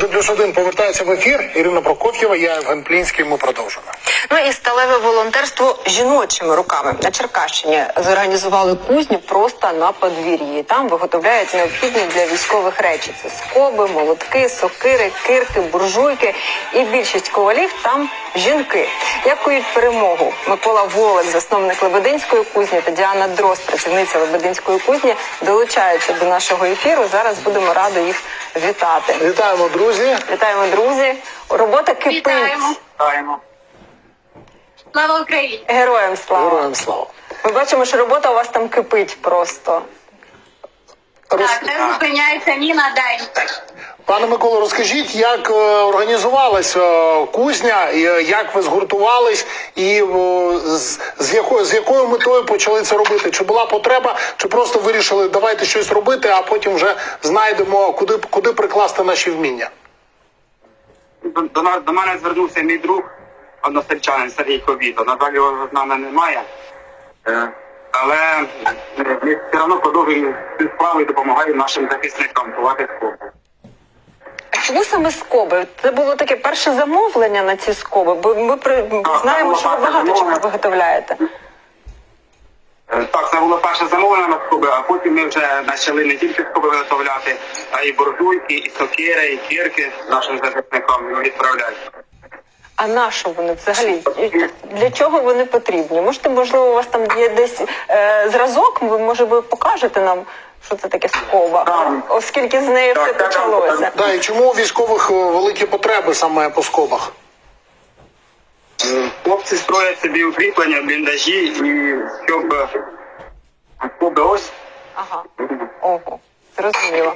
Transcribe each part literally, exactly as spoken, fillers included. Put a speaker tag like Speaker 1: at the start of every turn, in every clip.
Speaker 1: один плюс один повертається в ефір. Ірина Прокоф'єва, я Євген Плінський, ми продовжимо.
Speaker 2: Ну і сталеве волонтерство жіночими руками. На Черкащині зорганізували кузню просто на подвір'ї. Там виготовляють необхідні для військових речі. Це скоби, молотки, сокири, кирки, буржуйки. І більшість ковалів там жінки. Як кують перемогу? Микола Волик, засновник Лебединської кузні, та Діана Дрозд, працівниця Лебединської кузні, долучаються до нашого ефіру. Зараз будемо раді їх вітати.
Speaker 1: Вітаємо, друзі.
Speaker 2: Вітаємо, друзі. Робота кипить.
Speaker 3: Вітаємо.
Speaker 4: Вітаємо.
Speaker 3: Слава Україні!
Speaker 2: Героям слава.
Speaker 1: Героям слава.
Speaker 2: Ми бачимо, що робота у вас там кипить просто.
Speaker 1: Роз...
Speaker 3: Так, не зупиняється ні на день.
Speaker 1: Пане Миколо, розкажіть, як е, організувалась е, кузня, і, е, як ви згуртувались і е, з, з, якою, з якою метою почали це робити? Чи була потреба, чи просто вирішили, давайте щось робити, а потім вже знайдемо, куди, куди прикласти наші вміння?
Speaker 4: До, до, нас- до мене звернувся мій друг, односельчанин Сергій Ковіто. На жаль, його з нами немає. Е, Але е, ми все одно продовжуємо цю справу і допомагаємо нашим захисникам ховати скоби.
Speaker 2: А чому саме скоби? Це було таке перше замовлення на ці скоби, бо ми при...
Speaker 4: Так,
Speaker 2: знаємо,
Speaker 4: це
Speaker 2: що ви
Speaker 4: було
Speaker 2: багато
Speaker 4: перше
Speaker 2: чого
Speaker 4: замовлення.
Speaker 2: виготовляєте.
Speaker 4: Е, Так, це було перше замовлення на скоби, а потім ми вже почали не тільки скоби виготовляти, а й буржуйки, і сокири, і кірки нашим захисникам відправляти.
Speaker 2: А на що вони взагалі? Для чого вони потрібні? Можете, можливо, у вас там є десь е, зразок, ви, може, ви покажете нам, що це таке скоба,
Speaker 4: Так.
Speaker 2: оскільки з нею
Speaker 4: Так,
Speaker 2: все
Speaker 4: так, так.
Speaker 2: почалося.
Speaker 1: Да, і чому у військових е, великі потреби саме по скобах?
Speaker 4: Е, Хлопці строять собі укріплення, бліндажі, і щоб е, скоби ось.
Speaker 2: Ага. Ого. Зрозуміло.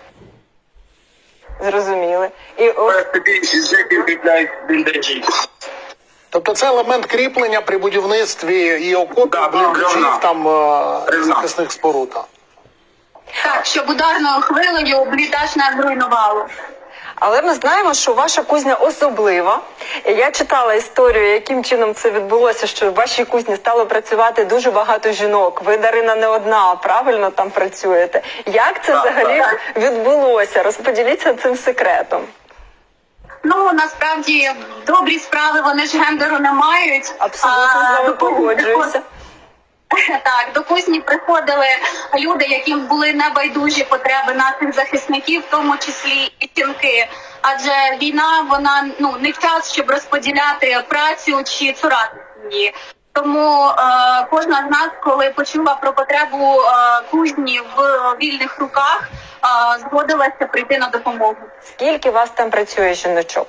Speaker 2: Зрозуміли. І от
Speaker 4: Собі з яких укріпляють бліндажі.
Speaker 1: Тобто це елемент кріплення при будівництві і окопів,
Speaker 4: Да,
Speaker 1: бліндажів,
Speaker 4: бревна.
Speaker 1: там е,
Speaker 4: Бревна.
Speaker 1: захисних споруд. так.
Speaker 3: Так, щоб ударною хвилею бліндаж не зруйнувало.
Speaker 2: Але ми знаємо, що ваша кузня особлива. І я читала історію, яким чином це відбулося, що в вашій кузні стало працювати дуже багато жінок. Ви, Дарина, не одна, правильно там працюєте. Як це
Speaker 4: Так,
Speaker 2: взагалі
Speaker 4: так.
Speaker 2: відбулося? Розподіліться цим секретом.
Speaker 3: Ну, насправді, добрі справи, вони ж гендеру не мають.
Speaker 2: Абсолютно з вами
Speaker 3: до кузні
Speaker 2: погоджуюся.
Speaker 3: приход- Так, до кузні приходили люди, яким були небайдужі потреби наших захисників, в тому числі і жінки. Адже війна, вона ну не час, щоб розподіляти працю чи цурати її. Тому е, кожна з нас, коли почула про потребу е, кузні в вільних руках, е, згодилася прийти на допомогу.
Speaker 2: Скільки вас там працює жіночок?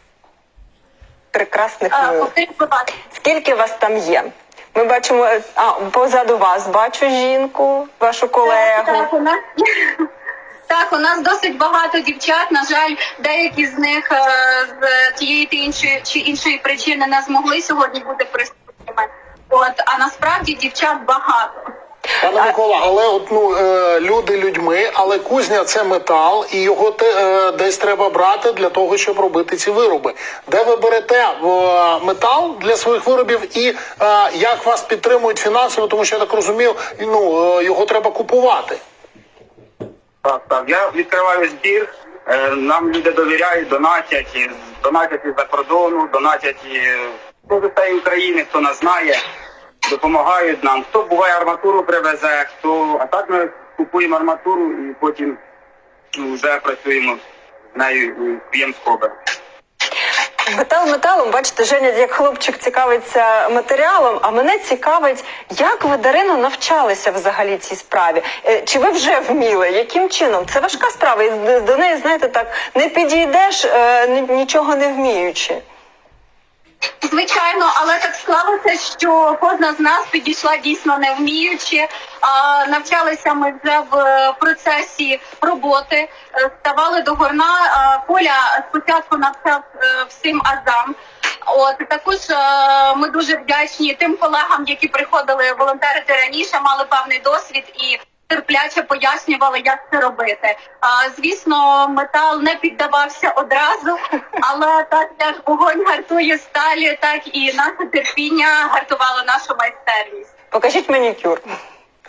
Speaker 2: Прекрасних
Speaker 3: Е,
Speaker 2: мил.
Speaker 3: повторіть, будь ласка.
Speaker 2: Скільки вас там є? Ми бачимо, а позаду вас бачу жінку, вашу колегу.
Speaker 3: Так, у нас так, у нас досить багато дівчат. На жаль, деякі з них е, з тієї та іншої чи іншої причини не змогли сьогодні бути присутніми. От, а насправді дівчат багато.
Speaker 1: Пане Микола, але от, ну, е, люди людьми, але кузня – це метал, і його те, е, десь треба брати для того, щоб робити ці вироби. Де ви берете е, метал для своїх виробів і е, як вас підтримують фінансово, тому що, я так розумію, ну, е, його треба купувати.
Speaker 4: Так, так. Я відкриваю збір, е, нам люди довіряють, донатять, і донатять із-за кордону, донатять і хто з усієї України, хто нас знає, допомагають нам. Хто буває арматуру привезе, хто. А так ми купуємо арматуру і потім ну, вже працюємо з нею і п'ємо скоби.
Speaker 2: Метал металом, бачите, Женя, як хлопчик цікавиться матеріалом, а мене цікавить, як ви, Дарино, навчалися взагалі цій справі? Е, Чи ви вже вміли? Яким чином? Це важка справа, і з- до неї, знаєте, так, не підійдеш, е, ні- нічого не вміючи.
Speaker 3: Звичайно, але так склалося, що кожна з нас підійшла дійсно не вміючи. А навчалися ми вже в е, процесі роботи, е, ставали до горна. А Коля спочатку навчав е, всім азам. От також е, ми дуже вдячні тим колегам, які приходили волонтерити раніше, мали певний досвід і терпляче пояснювали, як це робити. А, звісно, метал не піддавався одразу, але так як вогонь гартує сталі, так і наше терпіння гартувало нашу майстерність.
Speaker 2: Покажіть манікюр.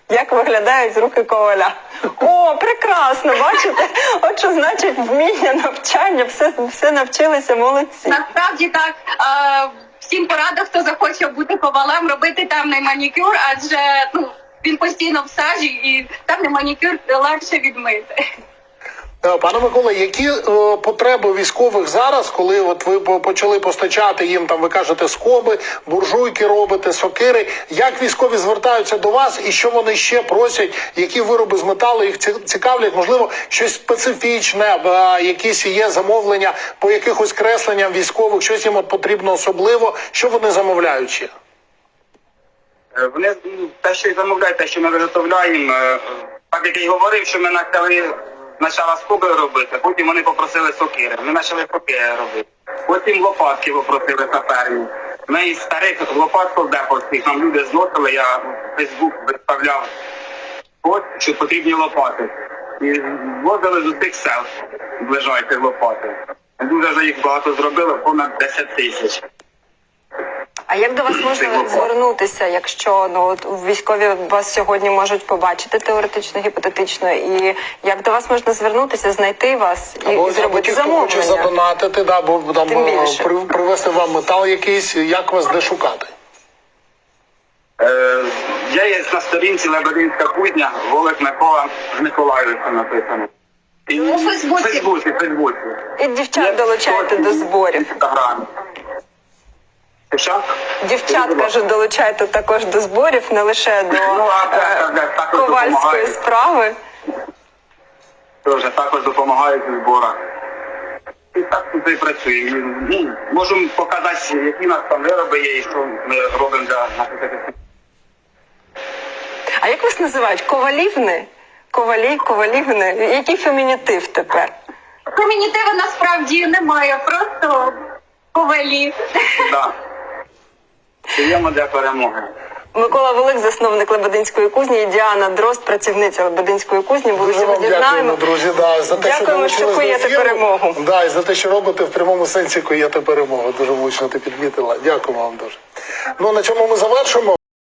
Speaker 2: Як виглядають руки коваля? О, прекрасно, бачите? От що значить вміння, навчання, все, все навчилися, молодці.
Speaker 3: Насправді так. Е, всім порада, хто захоче бути ковалем, робити темний манікюр, адже ну він постійно в сажі і темний манікюр легше відмити.
Speaker 1: Е, Пане Микола, які е, потреби військових зараз, коли от ви по- почали постачати їм, там ви кажете, скоби, буржуйки робите, сокири, як військові звертаються до вас і що вони ще просять, які вироби з металу їх ці- цікавлять, можливо, щось специфічне, е, якісь є замовлення по якихось кресленням військових, щось їм от потрібно особливо, що вони замовляють ще?
Speaker 4: Е, Вони ну, те, що й замовляють, те, що ми виготовляємо, е, так як я й говорив, що ми почали спочатку скоби робити, потім вони попросили сокири. Ми почали сокири робити. Потім лопатки попросили саперні. Ми із старих лопат солдеповських нам люди зносили, я в Фейсбук виставляв пост, що потрібні лопати. І возили з усіх сел ближайших лопати. Дуже вже їх багато зробили, понад десять тисяч.
Speaker 2: А як до вас можна звернутися, якщо ну от військові вас сьогодні можуть побачити теоретично, гіпотетично, і як до вас можна звернутися, знайти вас і,
Speaker 1: Або
Speaker 2: і зробити
Speaker 1: ті, хто хоче
Speaker 2: замовлення?
Speaker 1: задонатити, да, бо там
Speaker 2: Тим
Speaker 1: е,
Speaker 2: більше.
Speaker 1: при- привезти вам метал якийсь, як вас де шукати?
Speaker 4: Е, я є на сторінці Лебединська кузня, Волик Микола з Миколаївця написано. І
Speaker 3: У Фейсбуці.
Speaker 4: В Фейсбуці, в Фейсбуці.
Speaker 2: І дівчат долучайте до зборів.
Speaker 4: Інстаграм. Що?
Speaker 2: Дівчат, кажу, долучайте також до зборів, не лише до
Speaker 4: Ну, а це,
Speaker 2: е,
Speaker 4: це, це також
Speaker 2: ковальської
Speaker 4: допомагає.
Speaker 2: справи.
Speaker 4: Тоже також допомагають у зборах. І так тут і працюємо. І, ну, можемо показати, які у нас там вироби є і що ми робимо для наших захисників.
Speaker 2: А як вас називають? Ковалівни? Ковалі, ковалівни? Який фемінітив тепер?
Speaker 3: Фемінітиви насправді немає, просто ковалі.
Speaker 4: Да. Даємо для перемоги.
Speaker 2: Микола Волик, засновник Лебединської кузні, і Діана Дрозд, працівниця Лебединської кузні. Були
Speaker 1: Дуже вам
Speaker 2: сьогодні з нами.
Speaker 1: дякуємо, друзі, да, за те, що
Speaker 2: Дякуємо, що
Speaker 1: долучились до
Speaker 2: куєте
Speaker 1: ефіру.
Speaker 2: перемогу.
Speaker 1: Да, і за те, що робите в прямому сенсі куєте перемогу. Дуже влучно ти підмітила. Дякуємо вам дуже. Ну, на цьому ми завершимо.